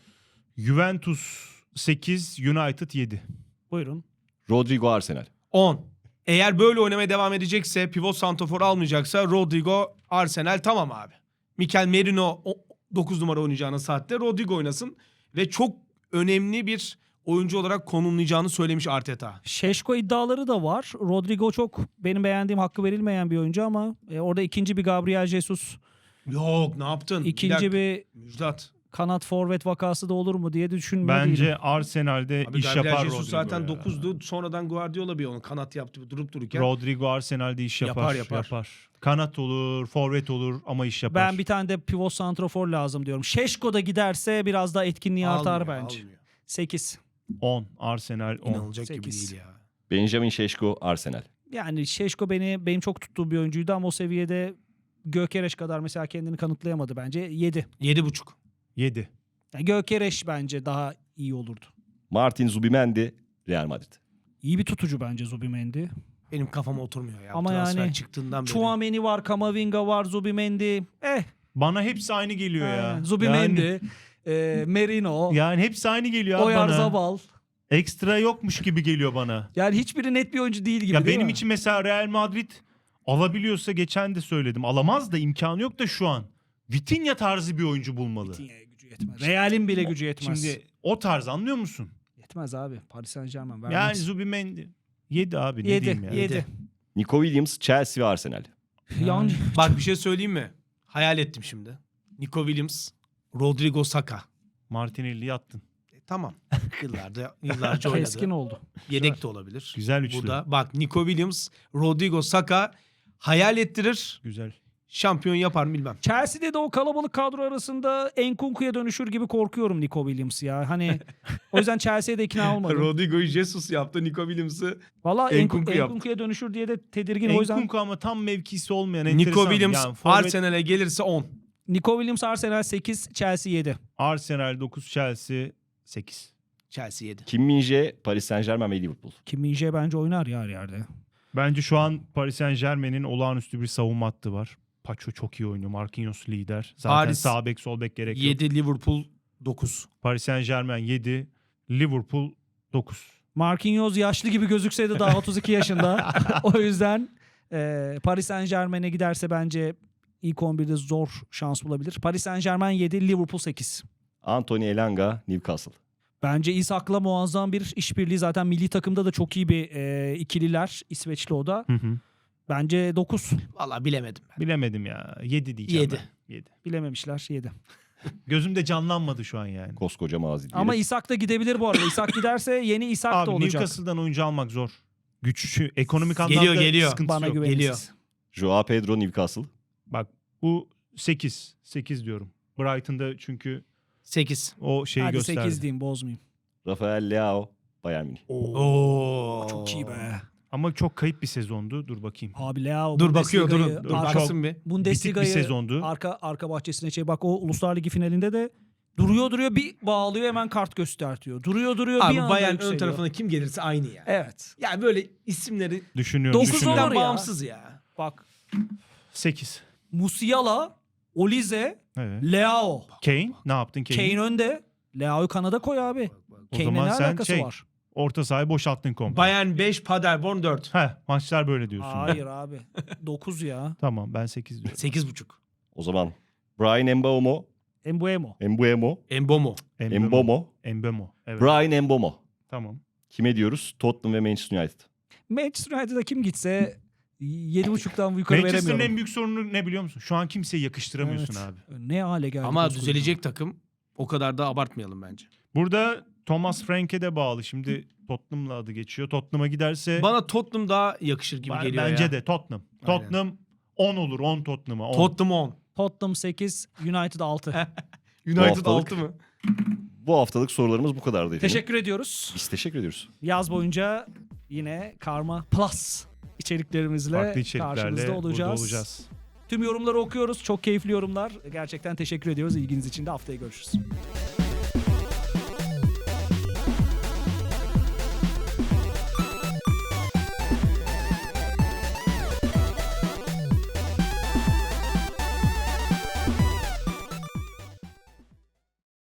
Speaker 2: Juventus 8, United 7.
Speaker 1: Buyurun.
Speaker 4: Rodrigo, Arsenal.
Speaker 3: 10. Eğer böyle oynamaya devam edecekse, pivot santrafor almayacaksa Rodrigo, Arsenal tamam abi. Mikel Merino 9 numara oynayacağına saatte Rodrigo oynasın ve çok önemli bir oyuncu olarak konumlayacağını söylemiş Arteta.
Speaker 1: Şeşko iddiaları da var. Rodrigo çok benim beğendiğim, hakkı verilmeyen bir oyuncu ama orada ikinci bir Gabriel Jesus,
Speaker 3: Yok ne yaptın?
Speaker 1: ikinci bir
Speaker 3: Müjdat.
Speaker 1: kanat forvet vakası da olur mu diye de düşünmüyor değilim.
Speaker 2: Bence Arsenal'de
Speaker 3: Abi
Speaker 2: iş
Speaker 3: Gabriel
Speaker 2: yapar
Speaker 3: Jesus
Speaker 2: Rodrigo
Speaker 3: zaten
Speaker 2: ya.
Speaker 3: 9'du. Sonradan Guardiola bir onu kanat yaptı durup dururken.
Speaker 2: Rodrigo Arsenal'de iş yapar.
Speaker 3: Yapar.
Speaker 2: Kanat olur, forvet olur ama iş yapar.
Speaker 1: Ben bir tane de pivot santrafor lazım diyorum. Şeşko da giderse biraz daha etkinliği artar
Speaker 3: Almıyor,
Speaker 1: bence.
Speaker 3: almıyor.
Speaker 1: 8.
Speaker 2: 10, Arsenal 10.
Speaker 3: İnanılacak gibi
Speaker 1: 8.
Speaker 3: değil ya.
Speaker 4: Benjamin Şeşko, Arsenal.
Speaker 1: Yani Şeşko benim çok tuttuğum bir oyuncuydu ama o seviyede Gökereş kadar mesela kendini kanıtlayamadı bence. 7.
Speaker 3: 7,5.
Speaker 2: 7.
Speaker 1: Yani Gökereş bence daha iyi olurdu.
Speaker 4: Martin Zubimendi, Real Madrid.
Speaker 1: İyi bir tutucu bence Zubimendi.
Speaker 3: Benim kafama oturmuyor ya.
Speaker 1: Ama
Speaker 3: Transfer
Speaker 1: yani
Speaker 3: çıktığından beri.
Speaker 1: Chouameni var, Kamavinga var, Zubimendi.
Speaker 2: Bana hepsi aynı geliyor ya.
Speaker 1: Zubimendi, Merino,
Speaker 2: Yani hepsi aynı geliyor abi bana.
Speaker 1: Oyarzabal.
Speaker 2: Ekstra yokmuş gibi geliyor bana.
Speaker 1: Yani hiçbiri net bir oyuncu değil gibi
Speaker 2: Ya
Speaker 1: değil
Speaker 2: benim
Speaker 1: mi?
Speaker 2: için mesela Real Madrid alabiliyorsa, geçen de söyledim. Alamaz da, imkanı yok da şu an. Vitinha tarzı bir oyuncu bulmalı.
Speaker 1: Vitinha'ya gücü yetmez. Real'in bile gücü yetmez.
Speaker 2: Şimdi o tarz, anlıyor musun?
Speaker 1: Yetmez abi. Paris Saint-Germain
Speaker 2: Yani
Speaker 1: vermez.
Speaker 2: Zubimendi 7 abi, ne
Speaker 1: 7.
Speaker 2: diyeyim ya.
Speaker 1: 7.
Speaker 4: Nico Williams, Chelsea ve Arsenal.
Speaker 1: Yani
Speaker 3: Bak bir şey söyleyeyim mi? Hayal ettim şimdi. Nico Williams, Rodrigo Saka.
Speaker 2: Martinelli'yi attın.
Speaker 3: Tamam. Yıllarca oynadı.
Speaker 1: keskin oldu.
Speaker 3: Yedek de olabilir.
Speaker 2: Güzel üçlü.
Speaker 3: Bu da bak Nico Williams, Rodrigo Saka hayal ettirir.
Speaker 2: Güzel.
Speaker 3: Şampiyon yapar mı bilmem.
Speaker 1: Chelsea'de de o kalabalık kadro arasında Enkunku'ya dönüşür gibi korkuyorum Nico Williams ya. Hani o yüzden Chelsea'ye de ikna olmadım.
Speaker 3: Rodrigo'yu Jesus yaptı, Nico Williams'ı.
Speaker 1: Valla
Speaker 3: Enkunku yaptı.
Speaker 1: Enkunku'ya dönüşür diye de tedirgin. O yüzden
Speaker 2: Enkunku ama tam mevkisi olmayan
Speaker 3: Nico
Speaker 2: enteresan.
Speaker 3: Williams
Speaker 2: Yani forvet-
Speaker 3: Arsenal'e gelirse 10.
Speaker 1: Nico Williams Arsenal 8, Chelsea 7.
Speaker 2: Arsenal 9, Chelsea 8.
Speaker 3: Chelsea 7.
Speaker 4: Kim Min-jae, Paris Saint-Germain ve Liverpool.
Speaker 1: Kim Min-jae bence oynar ya her yerde.
Speaker 2: Bence şu an Paris Saint-Germain'in olağanüstü bir savunma hattı var. Paço çok iyi oynuyor. Marquinhos lider. Zaten
Speaker 3: Paris
Speaker 2: sağ bek sol bek gerek yok.
Speaker 3: 7, Liverpool 9.
Speaker 2: Paris Saint-Germain 7, Liverpool 9.
Speaker 1: Marquinhos yaşlı gibi gözükse de daha 32 yaşında. O yüzden Paris Saint-Germain'e giderse bence ilk 11'de zor şans bulabilir. Paris Saint-Germain 7, Liverpool 8.
Speaker 4: Anthony Elanga, Newcastle.
Speaker 1: Bence Isak'la muazzam bir işbirliği. Zaten milli takımda da çok iyi bir ikililer. İsveçli o da. Bence 9.
Speaker 3: Vallahi bilemedim ben.
Speaker 2: Bilemedim ya. 7 diyeceğim
Speaker 3: 7.
Speaker 2: ben. 7.
Speaker 1: Bilememişler 7.
Speaker 2: Gözümde canlanmadı şu an yani.
Speaker 4: Koskoca mazi diyelim.
Speaker 1: Ama Isak da gidebilir bu arada. Isak giderse yeni Isak da
Speaker 2: Abi
Speaker 1: olacak.
Speaker 2: Newcastle'dan oyuncu almak zor. Güçlü, ekonomik anlamda
Speaker 3: Geliyor.
Speaker 2: sıkıntısı
Speaker 1: Bana
Speaker 2: yok.
Speaker 1: güveniniz.
Speaker 3: Geliyor.
Speaker 4: Joao Pedro, Newcastle.
Speaker 2: Bak bu 8. 8 diyorum. Brighton'da çünkü
Speaker 3: 8.
Speaker 2: o şeyi
Speaker 1: Hadi
Speaker 2: gösterdi.
Speaker 1: 8 diyeyim, bozmayayım.
Speaker 4: Rafael Leao, Bayern Münih.
Speaker 3: Oo.
Speaker 1: Çok iyi be.
Speaker 2: Ama çok kayıp bir sezondu. Dur bakayım.
Speaker 1: Abi Leao
Speaker 3: Dur bakıyor
Speaker 1: Bundesliga'yı-
Speaker 3: dur.
Speaker 2: Dur,
Speaker 3: Baksın bir.
Speaker 1: Bundesliga'yı
Speaker 2: Bitik bir sezondu.
Speaker 1: arka bahçesine bak, o Uluslar Ligi finalinde de duruyor bir bağlıyor, hemen kart göstertiyor. Duruyor bir
Speaker 3: Abi
Speaker 1: anda
Speaker 3: Bayern ön
Speaker 1: yükseliyor.
Speaker 3: tarafına kim gelirse aynı ya.
Speaker 1: Evet.
Speaker 3: Yani böyle isimleri
Speaker 2: Düşünüyorum.
Speaker 1: Dokuz
Speaker 2: düşünüyorum.
Speaker 1: olur
Speaker 3: isimden
Speaker 1: ya.
Speaker 3: bağımsız ya.
Speaker 1: Bak
Speaker 2: 8.
Speaker 1: Musiala Olize,
Speaker 2: Evet.
Speaker 1: Leao.
Speaker 2: Kane ne yaptın Kane?
Speaker 1: Kane önde. Leao'yu kanada koy abi.
Speaker 2: O
Speaker 1: Kane'le
Speaker 2: zaman
Speaker 1: ne
Speaker 2: sen
Speaker 1: alakası var?
Speaker 2: orta sahayı boşalttın komple.
Speaker 3: Bayern 5, Paderborn 4.
Speaker 2: Maçlar böyle diyorsun.
Speaker 1: Hayır abi. 9 ya.
Speaker 2: Tamam ben 8 diyorum.
Speaker 3: 8.5.
Speaker 4: O zaman Brian Mbeumo,
Speaker 1: Embuemo.
Speaker 4: Mbeumo,
Speaker 3: Embomo.
Speaker 4: Mbeumo,
Speaker 2: Mbeumo. Evet.
Speaker 4: Brian Mbeumo.
Speaker 2: Tamam.
Speaker 4: Kime diyoruz? Tottenham ve Manchester United.
Speaker 1: Manchester United'a kim gitse 7.5'tan yukarı
Speaker 2: Manchester'ın
Speaker 1: veremiyorum.
Speaker 2: en büyük sorunu ne biliyor musun? Şu an kimseyi yakıştıramıyorsun
Speaker 1: Evet.
Speaker 2: abi.
Speaker 1: Ne hale geldi.
Speaker 3: Ama
Speaker 1: koskoca.
Speaker 3: düzelecek takım. O kadar da abartmayalım bence.
Speaker 2: Burada Thomas Frank'e de bağlı. Şimdi Tottenham'la adı geçiyor. Tottenham'a giderse
Speaker 3: Bana Tottenham daha yakışır gibi geliyor
Speaker 2: bence
Speaker 3: ya.
Speaker 2: de Tottenham.
Speaker 3: Aynen.
Speaker 2: Tottenham 10 olur. 10 Tottenham'a. 10.
Speaker 3: Tottenham 10.
Speaker 1: Tottenham 8, United 6.
Speaker 3: United
Speaker 4: haftalık-
Speaker 3: 6 mı?
Speaker 4: Bu haftalık sorularımız bu kadardı efendim.
Speaker 1: Teşekkür ediyoruz.
Speaker 4: Biz teşekkür ediyoruz.
Speaker 1: Yaz boyunca yine Karma Plus içeriklerimizle
Speaker 2: Farklı içeriklerle
Speaker 1: karşınızda
Speaker 2: burada
Speaker 1: olacağız.
Speaker 2: olacağız.
Speaker 1: Tüm yorumları okuyoruz. Çok keyifli yorumlar. Gerçekten teşekkür ediyoruz. İlginiz için de haftaya görüşürüz.